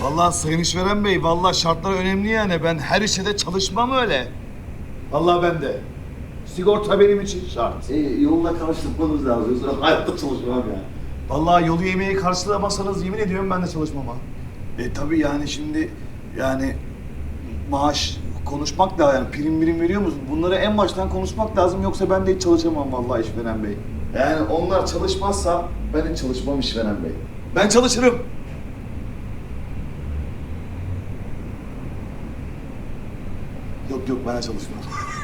Vallahi Sayın İşveren Bey, vallahi şartlar önemli yani. Ben her işe de çalışmam öyle. Vallahi ben de. Sigorta benim için şart. Yolla karşılamanız lazım. Yoksa hayatta çalışmam ya. Vallahi yolu yemeği karşılamasanız yemin ediyorum ben de çalışmam ha. Tabii yani şimdi yani maaş konuşmak da yani prim veriyor musun? Bunları en baştan konuşmak lazım yoksa ben de hiç çalışamam vallahi İşveren Bey. Yani onlar çalışmazsa ben hiç çalışmam İşveren Bey. Ben çalışırım. Yok ben de çalışmam.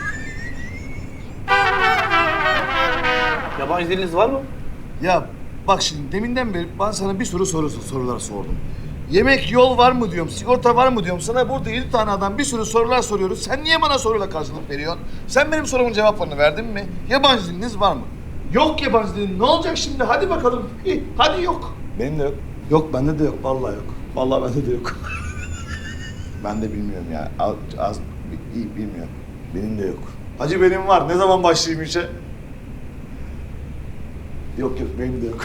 Yabancı diliniz var mı? Ya bak şimdi deminden beri ben sana bir sürü sorular sordum. Yemek yol var mı diyorum, sigorta var mı diyorum. Sana burada 7 tane adam bir sürü sorular soruyoruz. Sen niye bana soruyla karşılık veriyorsun? Sen benim sorumun cevaplarını verdin mi? Yabancı diliniz var mı? Yok yabancı dilin. Ne olacak şimdi? Hadi bakalım. Hadi yok. Benim de yok. Yok bende de yok. Vallahi yok. Vallahi bende de yok. Ben de bilmiyorum ya. Az iyi bilmiyorum. Benim de yok. Hacı benim var. Ne zaman başlayayım işe? Yok benim de yok.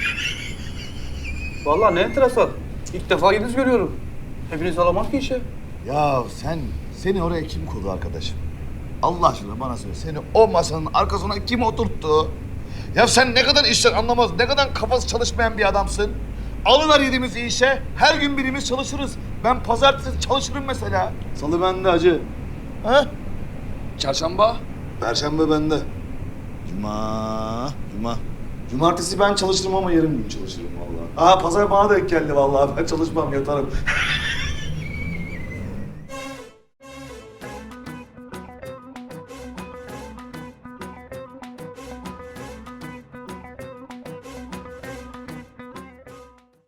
Vallahi ne enteresan. İlk defa yediniz görüyorum. Hepiniz alamaz ki işe. Ya seni oraya kim koydu arkadaşım? Allah aşkına bana söyle. Seni o masanın arkasına kim oturttu? Ya sen ne kadar işten anlamaz, ne kadar kafası çalışmayan bir adamsın. Alırlar yediğimizi işe, her gün birimiz çalışırız. Ben pazartesi çalışırım mesela. Salı bende hacı. Ha? Çarşamba. Perşembe bende. Cuma. Cumartesi ben çalışırım ama yarım gün çalışırım vallahi. Pazar bana denk geldi vallahi. Ben çalışmam, yatarım.